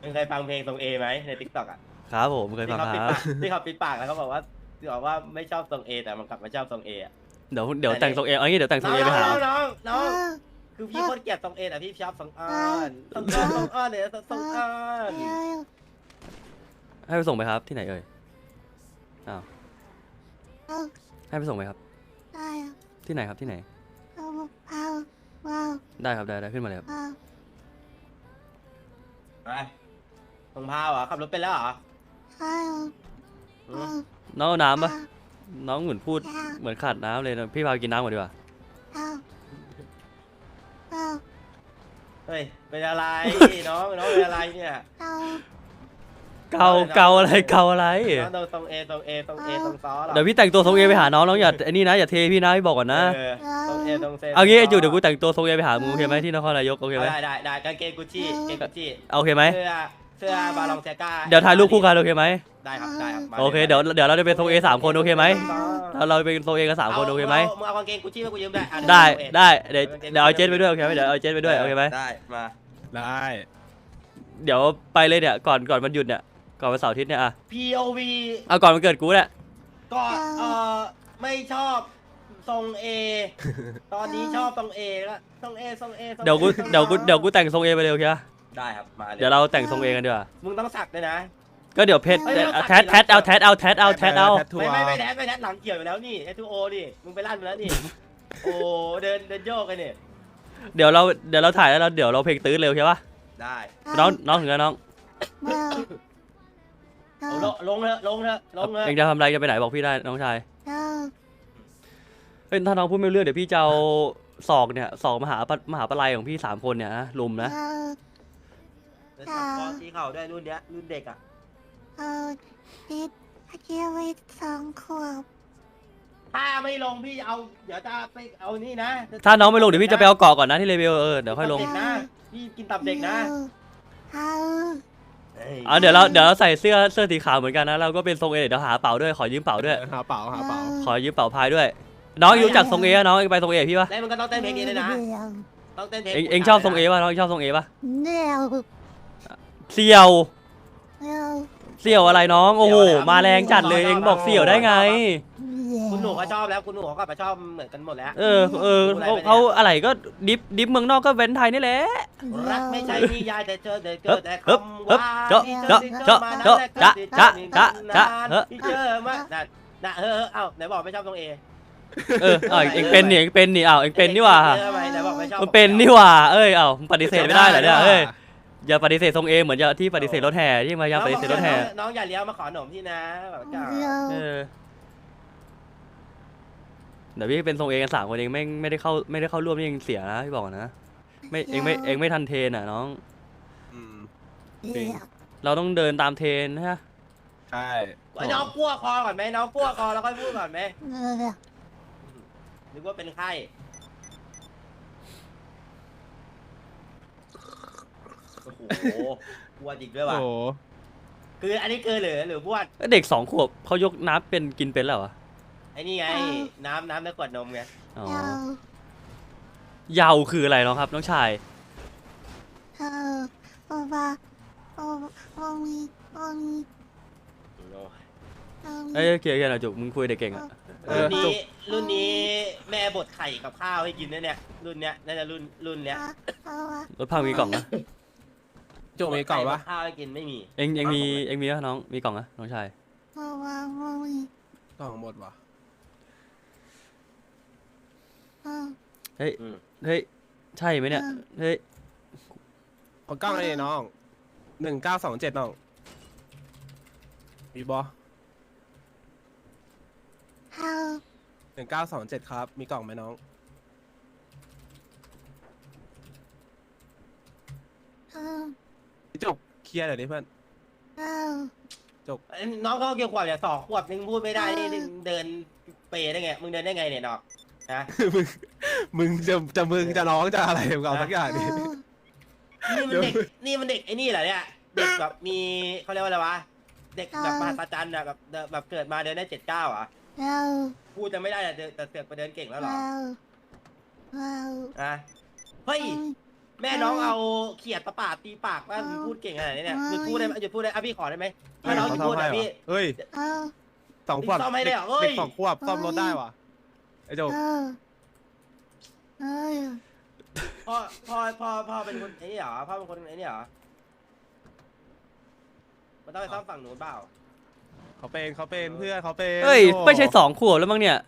มึงเคยฟังเพลงทรงเอไหมในทิกตอกอ่ะครับผมเคยฟังครับที่เขาปิดปากแล้วเขาบอกว่าไม่ชอบทรงเอแต่มันกลับมาชอบทรงเออ่ะเดี๋ยวแต่งทรงเอเอางี้เดี๋ยวแต่งทรงเอไปหาน้องคือพี่โคตรเกลียดทรงเอแต่พี่ชอบทรงอ้อนทรงอ้อนเนี่ยทรงอ้อนให้ไปส่งไหมครับที่ไหนเอ่ยอ้าวให้ไปส่งไหมครับที่ไหนครับที่ไหนได้ครับได้ขึ้นมาเลยครับไปทรงพาวเหรอขับรถเป็นแล้วเหรอน้องเอาน้ำปะน้องเหมือนพูดเหมือนขาดน้ำเลยนะพี่พาไปกินน้ำก่อนดีกว่าเฮ้ยเป็นอะไรน้องเป็นอะไรเนี่ยเกาอะไรเกาอะไรน้องทรงเอทรงซอหรอเดี๋ยวพี่แต่งตัวทรงเอไปหาน้องอย่าไอ้นี่นะอย่าเทพี่นะพี่บอกก่อนนะทรงเอทรงเซเอางี้ไอ้จุดเดี๋ยวกูแต่งตัวทรงเอไปหามึงโอเคไหมที่นครนายกโอเคไหมได้กางเกงกุชชี่โอเคไหมเสื้อบาลองเซก้าเดี๋ยวถ่ายรูปคู่กันโอเคไหมได้ครับโอเคเดี๋ยวเราจะเป็นทรงเอ3 คนโอเคไหมเราเป็นทรงเอกัน3 คนโอเคไหมมึงเอากางเกงกุชชี่มากูยืมได้ได้เดี๋ยวเอาเจนไปด้วยโอเคไหมเดี๋ยวเอาเจนไปด้วยโอเคไหมได้มาได้เดี๋ยวไปเลยเนี่ยก่อนวันหยุดเนี่ยก่อนวันเสาร์อาทิตย์เนี่ยอ่ะ POV เอาก่อนวันเกิดกูเนี่ยก็ไม่ชอบทรงเอตอนนี้ชอบทรงเอแล้วทรงเอเดี๋ยวกูแต่งทรงเอไปเลยโอเคปะได้ครับมาเลยเดี๋ยวเราแต่งทรงเอกันดีกว่ามึงต้องสักด้วยนะก็เดี๋ยวเพชรเอ้ยแทดเอาแททัวไม่ร์แดดหลังเกี่ยวอยู่แล้วนี่ไอทูโอนี่มึงไปลั่นมาแล้วนี่โอ้เดินโยกกันนี่เดี๋ยวเราถ่ายแล้วเดี๋ยวเราเพลงตื้นเร็วใช่ปะได้น้องถึงแล้วน้องลงเถอะเองจะทำอะไรจะไปไหนบอกพี่ได้น้องชายเฮ้ยถ้าน้องพูดไม่รู้เรื่องเดี๋ยวพี่จะเอาศอกมหาปลัยของพี่3 คนเนี่ยนะลุมนะคอสีเข่าด้วยรุ่นเนี้ยรุ่นเด็กอ่ะ 2 ขวบถ้าไม่ลงพี่เอาเดี๋ยวจะไปเอานี่นะถ้าน้องไม่ลงเดี๋ยวพี่จะไปเอาเกาะก่อนนะที่เลเวลเดี๋ยวค่อยลงนะพี่กินตับเด็กนะเดี๋ยวเราใส่เสื้อสีขาวเหมือนกันนะเราก็เป็นทรงเอเดี๋ยวหาเป๋าด้วยขอยืมเป๋าด้วยหาเป๋าขอยืมเป๋าพายด้วย น้องรู้จักทรงเอน้องไปทรงเอพี่ปะแล้วมันก็ต้องเต้นเพลงนี้เลยนะต้องเต้นเพลงเองชอบทรงเอปะน้องชอบทรงเอปะเดี่ยวเสี่ยวอะไรน้องโอ้โหมาแรงจัดเลยเองบอกเสี่ยวได้ไงคุณหนูก็ชอบแล้วคุณหนูเขาก็ชอบเหมือนกันหมดแล้วเขาอะไรก็ดิฟเมืองนอกก็เว้นไทยนี่แหละรักไม่ใช่นิยายแต่เจอแต่คำเฮ้ว่าเจาะที่เจอมาน่ะเอ้าไหนบอกไม่ชอบตรงเอเองเป็นนี่เองเป็นนี่หว่าไหนบอกไม่ชอบมันเป็นนี่หว่าปฏิเสธไม่ได้เหรอเนี่ยอย่าปฏิเสธทรงเอเหมือนที่ปฏิเสธรถแห่ที่มายังปฏิเสธรถแห่น้องอย่าเลี้ยวมาขอหนมที่นะแบบจ้าเดี๋ยวพี่เป็นทรงเอกัน3 คนเองไม่ได้เข้าร่วมนี่เองเสียนะพี่บอกนะเองไม่ทันเทรนอ่ะน้องเราต้องเดินตามเทรนนะฮะใช่น้องกลัวคอก่อนไหมน้องกลัวคอแล้วค่อยพูดก่อนไหมนึกว่าเป็นไข้โอ้โหบวดอีกด้วยว่ะโอ้คืออันนี้คือหรือบวดเด็ก2 ขวบเขายกน้ำเป็นกินเป็นแล้วเหรอไอ้นี่ไงน้ำในขวดนมไงอ๋อเยาคืออะไรน้องครับน้องชายเกียร์หน่อยจุกมึงคุยเด็กเก่งอ่ะรุ่นนี้แม่บดไข่กับข้าวให้กินนะเนี่ยรุ่นเนี้ยน่าจะรุ่นเนี้ยรถพังมีกล่องนะโจมีกล่องปะข้าวให้กินไม่มีเอ็งมีนะน้องมีกล่องนะน้องชายกล่องหมดวะเฮ้ยใช่ไหมเนี่ยเฮ้ยขอกล้องเลยน้อง1927น้องมีบอ1927ครับมีกล่องไหมน้องจกเคลียร์หน่อยดิเพื่อนน้องเขาเกี่ยวขวบเนี่ย2 ขวบนึงพูดไม่ได้นี่เดินเปย์ได้ไงมึงเดินได้ไงเนี่ยดอกนะมึงจะน้องจะอะไรกับเราสักอย่างดินี่มันเด็กไอ้นี่เหรอเนี่ยเด็กแบบมีเขาเรียกว่าอะไรวะเด็กแบบมหัศจรรย์อะแบบเกิดมาเดินได้7-9อ่ะพูดจะไม่ได้แต่เสือกไปเดินเก่งแล้วหรออ่ะเฮ้ยแม่น้องเอาเขียดประปาดตีปากว่ามึงพูดเก่งขนาดนี้เนี่ยหยุดพูดได้ไหมหยุดพูดได้อ่ะพี่ขอได้ไหมถ้าน้องหยุดพูดอ่ะพี่เฮ้ยเออ 2 ขวบซ่อมให้เลยเหรอเฮ้ยเด็ก2 ขวบซ่อมรถได้วะไอ้โจเออเออพ่อเป็นคนไอ้นี่เหรอพ่อเป็นคนไอ้นี่เหรอมันต้องไปซ่อมฝั่งนู้นเปล่าเขาเป็นเพื่อนเขาเป็นเฮ้ยโอ้ไม่ใช่2 ขวบแล้วมั้งเนี่ย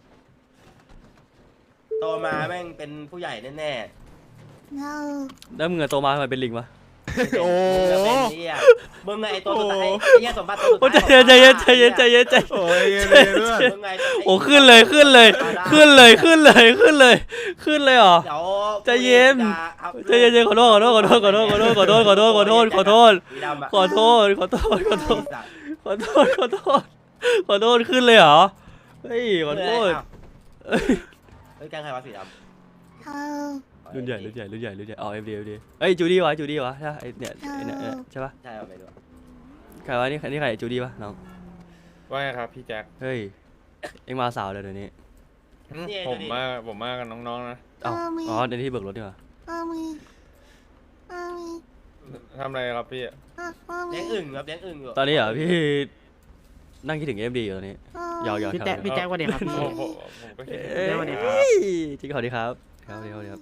โตมาแม่งเป็นผู้ใหญ่แน่เออแล้วมึงอะโตมาทำไมเป็นลิงวะๆโอ้มึงเป็นไอ้ตัวสุดท้ายไอ้เหี้ยสมบัติตัวสุดโอ้ท้ายใจเย็นใจเย็นใจเย็นใจเย็นใจเย็นโอ้ยเย็นๆเพื่อนมึงไงโอ้ขึ้นเลยขึ้นเลยขึ้นเลยขึ้นเลยขึ้นเลยขึ้นเลยเหรอเดี๋ยวใจเย็น ใจเย็นๆขอโทษขอโทษขอโทษขอโทษขอโทษขอโทษขอโทษขอโทษขอโทษสีดำอะขอโทษขอโทษขอโทษสัตว์ขอโทษขอโทษขอโทษขึ้นเลยเหรอเฮ้ยขอโทษเฮ้ยแกงใครวะสีดำเออรุ่นใหญ่รุ่นใหญ่รุ่นใหญ่รุ่นใหญ่อ๋อเอฟดีเอ้ยจูดี้วะจูดี้วะใช่ปะไอเนี่ยไอเนี่ยใช่ปะใช่เอาไปดูใครวะนี่ใครจูดี้ปะน้องว่าไงครับพี่แจ็คเฮ้ยเอ็งมาสาวเลยเดี๋ยวนี้ผมมากับน้องๆนะเอ้าอ๋อในที่เบิกรถดีกว่าเออมีเออมีทำอะไรครับพี่เออมีเลี้ยงอึ่งครับเลี้ยงอึ่งอยู่ตอนนี้เหรอพี่นั่งคิดถึงเอ็มดีอยู่ตอนนี้ยาวๆพี่แจ๊คสวัสดีครับพี่ผมก็คิดเอ้ยสวัสดีครับจริงขอดีครับครับสวัสดีครับ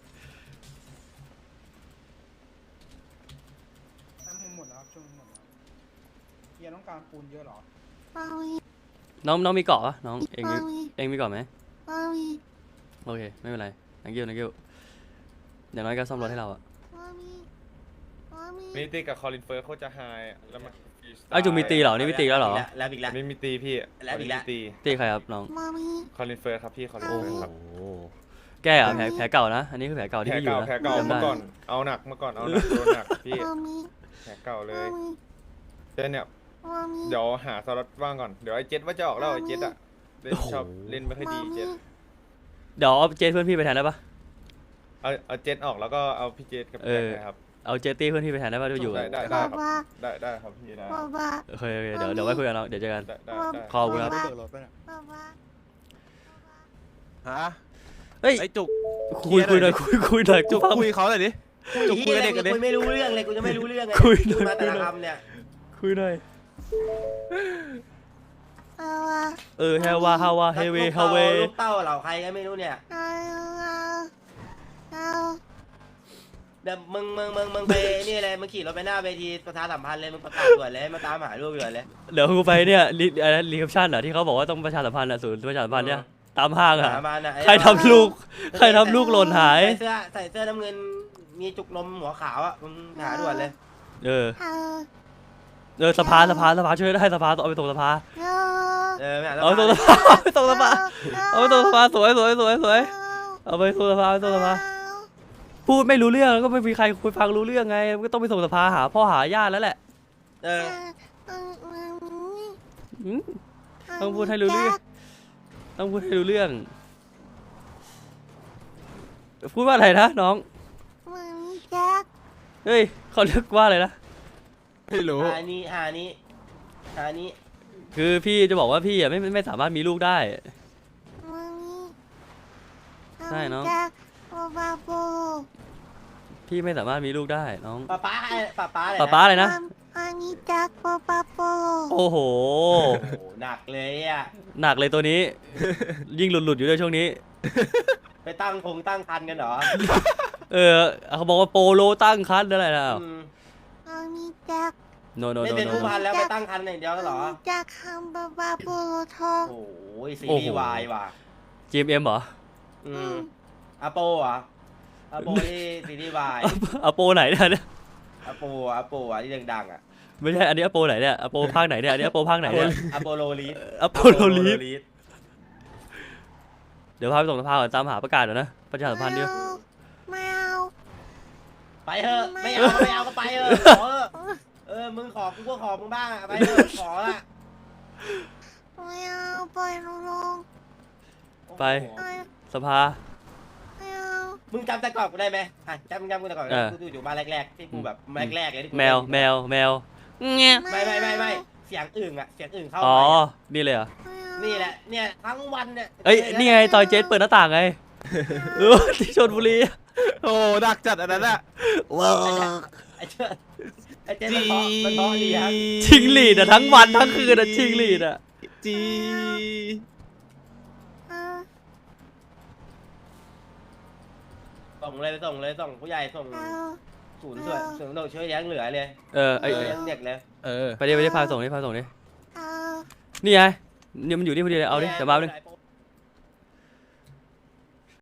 น้ำมันหมดแล้วครับช่วงนี้หมดแล้วเฮียต้องการปูนเยอะเหรอเออมีน้องมีเกาะปะน้องเอ็งเออมีเอ็งมีเกาะไหมเออมีโอเคไม่เป็นไรนังกิ้วอย่างน้อยก็ซ่อมรถให้เราอะเออมีเออมีนี่ตีกับคอลินเฟิร์สโคตรจะไฮแล้วมันอ้าวจูมีตีเหรอนี่มีตีแล้วเหรอแล้วอีกแล้วไม่มีตีพี่แล้วอีกแล้วไม่มีตีตีใครครับน้องเออมีคอลินเฟิร์สครับพี่คอลินโอ้เฟิร์โหสครับแกอะแผลเก่านะอันนี้คือแผลเก่าที่แผลพี่อยู่เก่านะแผลเก่าจำได้เมื่อก่อนเอาหนักเมื่อก่อนเอาหนักโดนหนักพี่เออมีแผลเก่าเลเออย มีเดี๋ยวเนี่ยเออมีเดี๋ยวหาสล็อตว่างก่อนเดี๋ยวไอ้เจ็ดว่าจะออกแล้วไอ้เจ็ดอะเล่นชอบเล่นไม่ค่อยดีเจ็ดเดี๋ยวเอาเจสเพื่อนพี่ไปแทนได้ปะเอาเจ็ดออกแล้วก็เอาพี่เจ็ดกับเอแจ็อคนะครับเอาเจสตี้เพื่อนพี่ไปแทนได้ปะที่อยู่ได้บ้าบ้าได้ครับพี่ได้บ้าบ้าโอเคเดี๋ยวไว้คุยกันเราเดี๋ยวเจอกันได้ขอบคุณครับบ้าเปิดรถไปน่ะบ้าบ้าฮะเฮ้ยไอ้จุกคุยหน่อยคุยหน่อยจุกฟังคุยเขาหน่อยดิ จุกคุยกับเด็กกันดิคุยไม่รู้เรื่องเลยกูจะไม่รู้เรื่องไงคุยหน่อยมาแต่ละคำเนี่ยคุยหน่อยเออว่ะเฮวาเฮเวเฮเวลูกเต้าเหล่าใครก็ไม่รู้เนี่ยเออเออเดี๋ยวมึงไปนี่เลยมึงขี่รถไปหน้าเวทีประชาสัมพันธ์เลยมึงประกาศด่วนเลยมาตามหาลูกด่วนเลยเดี๋ยวกูไปเนี่ยรีแคปชั่นเหรอที่เขาบอกว่าต้องประชาสัมพันธ์อะศูนย์ประชาสัมพันธ์เนี่ยตามห้างอะหามาน่ะไอ้ใครทำลูกหล่นหายใส่เสื้อน้ำเงินมีจุกนมหัวขาวอ่ะมึงหาด่วนเลยเออเออสภาช่วยได้สภาเอาไปส่งสภาเออไม่หาเอาไปส่งสภาเอาไปส่งสภาเอาไปส่งสภาสวยเอาไปส่งสภาพูดไม่รู้เรื่องแล้วก็ไม่มีใครคุยฟังรู้เรื่องไงก็ต้องไปส่งสภาหาพ่อหาญาติแล้วแหละเอออืม ต้องพูดให้รู้เรื่อง ต้องพูดให้รู้เรื่อง พูดว่าอะไรนะน้องมึงแจ็คเฮ้ยเขาเรียกว่าอะไรนะไม่รู้หานี้คือพี่จะบอกว่าพี่อ่ะไม่สามารถมีลูกได้มึงใช่เนอะแจ็คโอบาโบพี่ไม่สามารถมีลูกได้น้องป้าอะไรป๊าอะไรนะอันนี้แจ็คโอบาโบโอ้โหโอ้โหหนักเลยอ่ะหนักเลยตัวนี้ ยิ่งหลุดอยู่ด้วยช่วงนี้ไปตั้งคันกันเหรอเขาบอกว่าโปโลตั้งคันอะไรนะอืมอันนี้แจ็คโนไม่เป็นผู้พันแล้วไปตั้งคันอย่างเดียวกันเหรอแจ็คฮัมบาบาโบทองโอ้ยซีรีส์วายว่ะ GMM เหรออืมอาโปอ่ะอาโปที่ซีรีส์วายอโปไหนเนี่ยอาโปอ่ะที่ดังๆอ่ะไม่ใช่อันนี้อโปไหนเนี่ยอโปภาคไหนเนี่ยอันนี้อโปภาคไหนเนี่ยอาโปโลลีสอโปโลลีฟเดี๋ยวพาไปส่งสภาก่อนตามหาประกาศเดี๋ยวนะประชาสัมพันธ์เดียวไม่เอาไปเถอะไม่เอาก็ไปเถอะขอเออมึงขอกูก็ขอมึงบ้างอะไปเถอะขอละไม่เอาปล่อยลงไปโอ้โหสภาไม่เอามึงจำแต่ก่อนกูได้ไหมอ่ะจำกูแต่ก่อนเออกูอยู่มาแรกๆที่กูแบบแรกๆเลยที่กูแมวเงี้ยไม่เสียงอึ่งอ่ะเสียงอึ่งเข้าอ๋อไปอะนี่เลยเหรอไม่เอานี่แหละเนี่ยทั้งวันเนี่ยเอ้ยนี่ไงตอยเจสเปิดหน้าต่างไงที่ชลบุรีโอ้ดักจัดอันนั้นอะว้าวไอ้เจ๊มันเพราะเลี้ยงชิงหลีดอะทั้งวันทั้งคืนอะชิงหลีดอะจีส่งเลยส่งผู้ใหญ่ส่งศูนย์ช่วยเลี้ยงเหลือเลยไอ้เลี้ยงเด็กเลยเออไปดิพาส่งดินี่ไงเนี่ยมันอยู่นี่พอดีเลยเอาดิเดี๋ยวมาหนึ่งโป